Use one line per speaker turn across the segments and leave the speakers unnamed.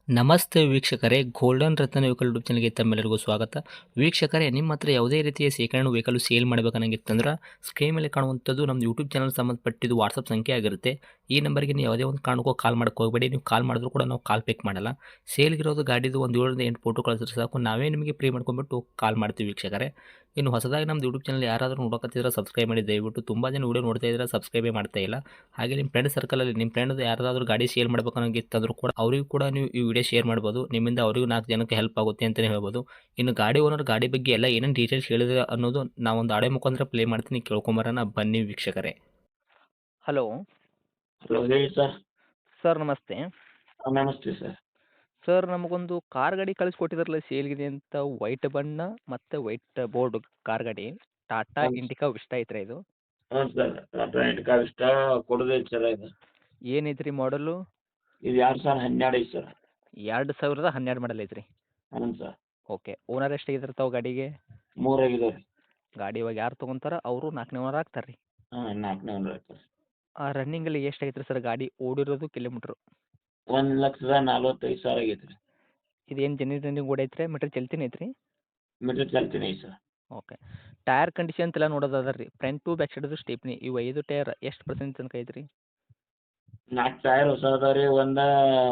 ನಮಸ್ತೆ ವೀಕ್ಷಕರೇ, ಗೋಲ್ಡನ್ ರತ್ನ vehicle YouTube ಚಾನಲ್ಗೆ ತಮ್ಮೆಲ್ಲರಿಗೂ ಸ್ವಾಗತ. ವೀಕ್ಷಕರೇ, ನಿಮ್ಮ ಹತ್ರ ಯಾವುದೇ ರೀತಿಯ ಶೇಖರಣೆ ವೆಹಿಕಲ್ ಸೇಲ್ ಮಾಡಬೇಕನ್ನಂಗಿತ್ತಂದ್ರೆ ಸ್ಕ್ರೀನ್ ಮೇಲೆ ಕಾಣುವಂಥದ್ದು ನಮ್ಮ ಯೂಟ್ಯೂಬ್ ಚಾನಲ್ ಸಂಬಂಧಪಟ್ಟಿದ್ದು ವಾಟ್ಸಪ್ ಸಂಖ್ಯೆ ಆಗಿರುತ್ತೆ. ಈ ನಂಬರ್ಗೆ ನೀವು ಯಾವುದೇ ಒಂದು ಕಾರಣಕ್ಕೂ ಕಾಲ್ ಮಾಡೋಕ್ಕೆ ಹೋಗಬೇಡಿ. ನೀವು ಕಾಲ್ ಮಾಡಿದ್ರು ಕೂಡ ನಾವು ಕಾಲ್ ಪಿಕ್ ಮಾಡಲ್ಲ. ಸೇಲ್ಗಿರೋದು ಗಾಡಿದು ಒಂದು 7ರಿಂದ 8 ಫೋಟೋ ಕಳಿಸಿದ್ರೆ ಸಾಕು, ನಾವೇ ನಿಮಗೆ ಪ್ರೀ ಮಾಡ್ಕೊಂಡ್ಬಿಟ್ಟು ಕಾಲ್ ಮಾಡ್ತೀವಿ ವೀಕ್ಷಕರೇ. ಇನ್ನು ಹೊಸದಾಗಿ ನಮ್ಮದು ಯೂಟ್ಯೂಬ್ ಚಾನಲ್ ಯಾರಾದರೂ ನೋಡೋಕತ್ತಿದ್ರೆ ಸಬ್ಸ್ಕ್ರೈಬ್ ಮಾಡಿ ದಯವಿಟ್ಟು. ತುಂಬ ಜನ ವೀಡಿಯೋ ನೋಡ್ತಾ ಇದ್ದಾರೆ, ಸಬ್ಸ್ಕ್ರೈಬೇ ಮಾಡ್ತಾ ಇಲ್ಲ. ಹಾಗೆ ನಿಮ್ಮ ಫ್ರೆಂಡ್ ಸರ್ಕಲಲ್ಲಿ ನಿಮ್ಮ ಫ್ರೆಂಡ್ ಯಾರಾದರೂ ಗಾಡಿ ಸೇಲ್ ಮಾಡಬೇಕನ್ನೋಂಗಿತ್ತಂದ್ರೂ ಕೂಡ ಅವರಿಗೂ ಕೂಡ ನೀವು ಈ ವಿಡಿಯೋ ಶೇರ್ ಮಾಡ್ಬೋದು. ನಿಮ್ಮಿಂದ ಅವರಿಗೂ 4 ಜನಕ್ಕೆ ಹೆಲ್ಪ್ ಆಗುತ್ತೆ ಅಂತಲೇ ಹೇಳ್ಬೋದು. ಇನ್ನು ಗಾಡಿ ಓನರ್ ಗಾಡಿ ಬಗ್ಗೆ ಎಲ್ಲ ಏನೇನು ಡೀಟೇಲ್ಸ್ ಹೇಳಿದ್ರೆ ಅನ್ನೋದು ನಾವೊಂದು ಆಡಿಯೋ ಮುಖಾಂತರ ಪ್ಲೇ ಮಾಡ್ತೀನಿ, ಕೇಳ್ಕೊಂಬರೋಣ ಬನ್ನಿ ವೀಕ್ಷಕರೇ. ಹಲೋ
ಹಲೋ ಹೇಳಿ ಸರ್.
ಸರ್, ನಮಸ್ತೆ.
ನಮಸ್ತೆ ಸರ್.
ಸರ್, ನಮಗೊಂದು ಕಾರ್ ಗಾಡಿ ಕಳಿಸ್ಕೊಟ್ಟಿದ್ರಲ್ಲ ಸೇಲ್ಗಿದೆ ಅಂತ, ವೈಟ್ ಬಣ್ಣ ಮತ್ತು ವೈಟ್ ಬೋರ್ಡ್ ಕಾರ್ ಗಾಡಿ, ಟಾಟಾ
ಹೌದು
ಇಂಡಿಕಾ ವಿಸ್ಟಾ ಐತ್ರಿ ಇದು.
ಹ್ಞೂ ಸರ್. ಟಾಟಾ ಇಂಡಿಕಾ ಇಷ್ಟ ಕೊಡೋದೈತೆ ಸರ್ ಇದು.
ಏನೈತ್ರಿ ಮಾಡಲು?
ಇದು 2012 ಐತೆ ಸರ್.
2012 ಮಾಡಲ್ ಐತ್ರಿ.
ಹ್ಞೂ ಸರ್.
ಓಕೆ. ಓನರ್ ಎಷ್ಟಾಗಿದ್ರೆ ತಾವು ಗಾಡಿಗೆ?
3 ಆಗಿದಾವೆ ರೀ.
ಗಾಡಿ ಇವಾಗ ಯಾರು ತೊಗೊಂತಾರ ಅವರು 4ನೇ ಓನರ್ ಆಗ್ತಾರೆ ರೀ.
ಹಾಂ 4ನೇ ಓನರ್ ಐತೆ.
ರನ್ನಿಂಗಲ್ಲಿ ಎಷ್ಟು ಐತ್ರಿ ಸರ್ ಗಾಡಿ ಓಡಿರೋದು ಕಿಲೋಮೀಟ್ರು?
1,45,000 ಆಗೈತೆ ರೀ.
ಇದೇನು ಜೆನ್ಯೂನ್ ರನ್ನಿಂಗ್ ಓಡೈತ್ರಿ, ಮೀಟ್ರ್ ಚಲ್ತಿನ ಐತ್ರಿ?
ಮೀಟರ್ ಚಾಲ್ತಿನೇ ಐತೆ ಸರ್.
ಓಕೆ. ಟೈರ್ ಕಂಡೀಷನ್ ಅಂತೆಲ್ಲ ನೋಡೋದಾದ್ರೆ ರೀ, ಫ್ರಂಟ್ ಟು ಬ್ಯಾಕ್ ಸೈಡ್ದು ಸ್ಟೇಪ್ನಿ ಇವು 5 ಟೈರ್ ಎಷ್ಟು ಪರ್ಸೆಂಟ್ ತನಕ ಐತ್ರಿ?
4 ಟೈರ್ ಹೊಸ ಅದಾವೆ ರೀ. ಒಂದು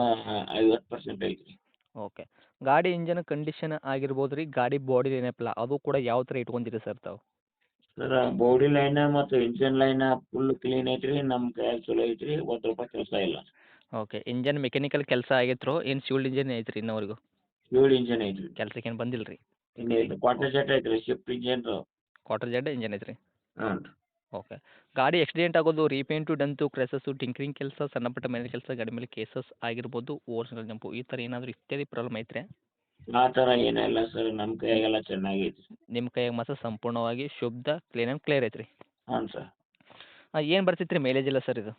50% ಐತೆ ರೀ.
ಓಕೆ. ಗಾಡಿ ಇಂಜನ್ ಕಂಡೀಷನ್ ಆಗಿರ್ಬೋದು ರೀ, ಗಾಡಿ ಬಾಡಿ ಏನಪ್ಪಲ್ಲ ಅದು ಕೂಡ ಯಾವ ಥರ ಇಟ್ಕೊಂತೀರಿ ಸರ್ ತಾವು?
ಸರ್ ಬಾಡಿ ಲೈನ ಮತ್ತು ಇಂಜಿನ್ ಲೈನ ಫುಲ್ ಕ್ಲೀನ್ ಐತೆ ರೀ. ನಮ್ಮ ಕೈಯಾಗ ಚಲೋ ಐತೆ ರೀ. ₹1 ಕೆಲಸ ಇಲ್ಲ.
ಓಕೆ. ಇಂಜನ್ ಮೆಕ್ಯಾನಿಕಲ್ ಕೆಲಸ ಆಗೈತ್ರೋ ಏನು ಸಿವಿಲ್ ಇಂಜಿನ್ ಐತ್ರಿ ಇನ್ನವರೆಗೂ?
ಫ್ಯೂಲ್ ಇಂಜಿನ್ ಐತೆ ರೀ.
ಕೆಲ್ಸಕ್ಕೆ ಏನು ಬಂದಿಲ್ಲ ರೀ?
ಇನ್ನೂ ಇಲ್ಲ. ಕ್ವಾರ್ಟರ್ ಜೆಟ್ ಐತೆ ರೀ. Shift engine.
Quarter jet engine ಐತ್ರಿ.
ಹ್ಞೂ ರೀ.
ಓಕೆ. ಗಾಡಿ ಆಕ್ಸಿಡೆಂಟ್ ಆಗೋದು, ರೀಪೇಂಟು, ಡಂತು, ಕ್ರ್ಯಾಸಸ್ಸು, ಟಿಂಕರಿಂಗ್ ಕೆಲಸ, ಸಣ್ಣ ಪುಟ್ಟ ಮನೆ ಕೆಲಸ, ಗಾಡಿ ಮೇಲೆ ಕೇಸಸ್ ಆಗಿರ್ಬೋದು, ಓರಿಜಿನಲ್ ಜಂಪು ಈ ಥರ ಏನಾದರೂ ಇತ್ಯಾದಿ ಪ್ರಾಬ್ಲಮ್ ಐತ್ರಿ?
ಆ ಥರ ಏನೂ ಇಲ್ಲ ಸರ್. ನಮ್ಮ ಕೈಯಾಗೆಲ್ಲ ಚೆನ್ನಾಗೈತೆ.
ನಿಮ್ಮ ಕೈಯಾಗ ಮಾತ್ರ ಸಂಪೂರ್ಣವಾಗಿ ಶುದ್ಧ ಕ್ಲೀನ್ ಆ್ಯಂಡ್ ಕ್ಲಿಯರ್ ಐತ್ರಿ.
ಹ್ಞೂ ಸರ್.
ಏನು ಬರ್ತೈತೆ ರೀ ಮೈಲೇಜ್ ಎಲ್ಲ ಸರ್ ಇದು?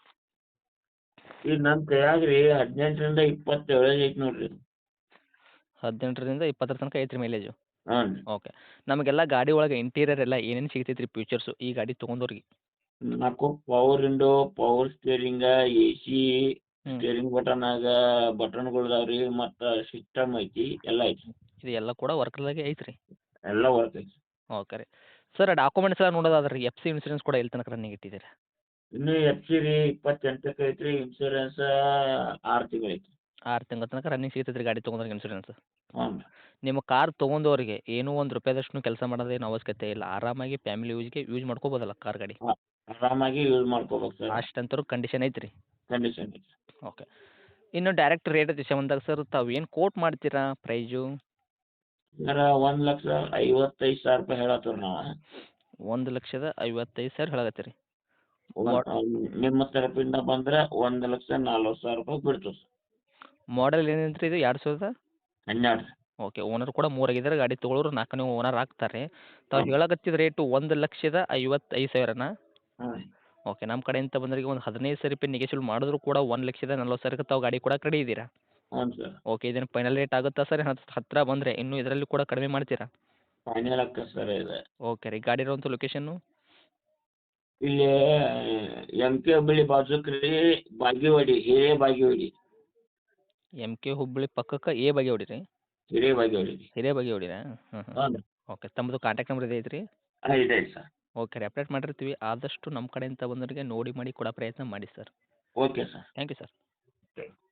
ಈಗ ನಮ್ಮ ಕೈಯಾಗ ರೀ 18ರಿಂದ 27 ಐತೆ ನೋಡಿರಿ.
18ರಿಂದ 20 ತನಕ ಐತ್ರಿ ಮೈಲೇಜು.
ಹ್ಞೂ ರೀ.
ಓಕೆ. ನಮಗೆಲ್ಲ ಗಾಡಿ ಒಳಗೆ ಇಂಟೀರಿಯರ್ ಎಲ್ಲ ಏನೇನು ಸಿಗ್ತೈತೆ ರೀ ಫೀಚರ್ಸು ಈ ಗಾಡಿ ತೊಗೊಂಡವ್ರಿಗೆ?
4 power window, power steering, AC,
ಹ್ಞೂ.
ಸ್ಟೇರಿಂಗ್ ಬಟನಾಗ ಬಟನ್ಗಳು ಅದಾವೆ ರೀ. ಮತ್ತು ಸಿಸ್ಟಮ್ ಐತಿ, ಎಲ್ಲ ಐತಿ.
ಇದು ಎಲ್ಲ ಕೂಡ ವರ್ಕ್ದಾಗೆ ಐತ್ರಿ.
ಎಲ್ಲ ವರ್ಕ್ ಐತಿ.
ಓಕೆ ರೀ. ಸರ್, ಡಾಕ್ಯುಮೆಂಟ್ಸ್ ಎಲ್ಲ ನೋಡೋದಾದ್ರೆ ರೀ, FC ಇನ್ಸೂರೆನ್ಸ್ ಕೂಡ ಎಲ್ಲಿ ತನಕ ರನ್ನಿಂಗ್ ಇಟ್ಟಿದ್ದೀರಾ?
ಇನ್ನೂ FC ರೀ 28ಕ್ಕೆ ಐತ್ರಿ. ಇನ್ಶೂರೆನ್ಸ್ 6 ತಿಂಗಳು ಐತಿ.
6 ತಿಂಗಳ ತನಕ ರನ್ನಿಂಗ್ ಸಿಗ್ತೈತೆ ರೀ ಗಾಡಿ ತೊಗೊಂಡ್ರೆ ಇನ್ಸೂರೆನ್ಸ್.
ಹ್ಞೂ ರೀ.
ನಿಮ್ಮ ಕಾರ್ ತೊಗೊಂಡವ್ರಿಗೆ ಏನೂ ₹1 ಕೆಲಸ ಮಾಡೋದೇನು ಅವಶ್ಯಕತೆ ಇಲ್ಲ. ಆರಾಮಾಗಿ ಫ್ಯಾಮಿಲಿ ಯೂಸ್ಗೆ ಯೂಸ್ ಮಾಡ್ಕೋಬೋದಲ್ಲ ಕಾರ್ ಗಾಡಿ?
ಆರಾಮಾಗಿ ಯೂಸ್ ಮಾಡ್ಕೋಬೇಕು ಸರ್.
ಅಷ್ಟಂತರೂ ಕಂಡೀಷನ್ ಐತ್ರಿ.
ಕಂಡೀಷನ್ ಐತಿ.
ಓಕೆ. ಇನ್ನು ಡೈರೆಕ್ಟ್ ರೇಟ್ ವಿಷಯ ಬಂದಾಗ ಸರ್, ತಾವು ಏನು ಕೋಟ್ ಮಾಡ್ತೀರಾ ಪ್ರೈಜು?
ಸರ್ 1,55,000 ಹೇಳತ್ತೀವಿ ನಾವು.
1,55,000 ಹೇಳಕತ್ತೀರಿ.
ನಿಮ್ಮ ತರಪಿಂದ ಬಂದ್ರೆ 1,40,000 ಬಿಡ್ತೀವಿ ಸರ್.
ಮಾಡೆಲ್ ಏನಂತ್ರಿ ಇದು? 2012?
12 ರೀ.
ಓಕೆ. ಓನರ್ ಕೂಡ 3 ಆಗಿದ್ದಾರೆ. ಗಾಡಿ ತೊಗೊಳೋರು 4ನೇ ಓನರ್ ಆಗ್ತಾರೆ. ತಾವು ಹೇಳಕತ್ತಿದ ರೇಟು 1,55,000ನಾ?
ಹ್ಞೂ ರೀ.
ಓಕೆ. ನಮ್ಮ ಕಡೆಯಿಂದ ಬಂದವರಿಗೆ ಒಂದು ₹15,000 ನೆಗೆಶಿಯಬಲ್ ಮಾಡಿದ್ರು ಕೂಡ 1,40,000ಕ್ಕೆ ತಾವು ಗಾಡಿ ಕೊಡಕ್ಕೆ ರೆಡಿ ಇದ್ದೀರಾ?
ಹ್ಞೂ ಸರ್.
ಓಕೆ. ಇದೇನು ಫೈನಲ್ ರೇಟ್ ಆಗುತ್ತಾ ಸರ್? ಹತ್ತಿರ ಬಂದರೆ ಇನ್ನೂ ಇದರಲ್ಲಿ ಕೂಡ ಕಡಿಮೆ ಮಾಡ್ತೀರಾ?
ಫೈನಲ್ ಆಗ್ತದೆ ಸರ್ ಇದು.
ಓಕೆ ರೀ. ಗಾಡಿ ಇರುವಂಥ ಲೊಕೇಶನ್ನು?
ಇಲ್ಲಿ MK ಹುಬ್ಬಳ್ಳಿ ಬಾಜುಕ್ ರೀ. ಬಾಗೇವಾಡಿ, ಹಿರೇಬಾಗೇವಾಡಿ.
MK ಹುಬ್ಬಳ್ಳಿ ಪಕ್ಕಕ್ಕೆ ಬಾಗೇವಾಡಿ ರೀ?
ಹಿರೇಬಾಗೇವಾಡಿ ರೀ.
ಹಿರೇಬಾಗೇವಾಡಿನಾ? ಹ್ಞೂ ಹ್ಞೂ.
ಹ್ಞೂ ರೀ.
ಓಕೆ. ತಮ್ಮದು ಕಾಂಟ್ಯಾಕ್ಟ್ ನಂಬರ್ ಇದೆ ಐತ್ರಿ?
ಇದೆ ಐತೆ ಸರ್.
ಓಕೆ ರೀ. ಅಪ್ಡೇಟ್ ಮಾಡಿರ್ತೀವಿ. ಆದಷ್ಟು ನಮ್ಮ ಕಡೆಯಿಂದ ಬಂದವರಿಗೆ ನೋಡಿ ಮಾಡಿ ಕೊಡೋ ಪ್ರಯತ್ನ ಮಾಡಿ sir.
Okay sir.
Thank you sir.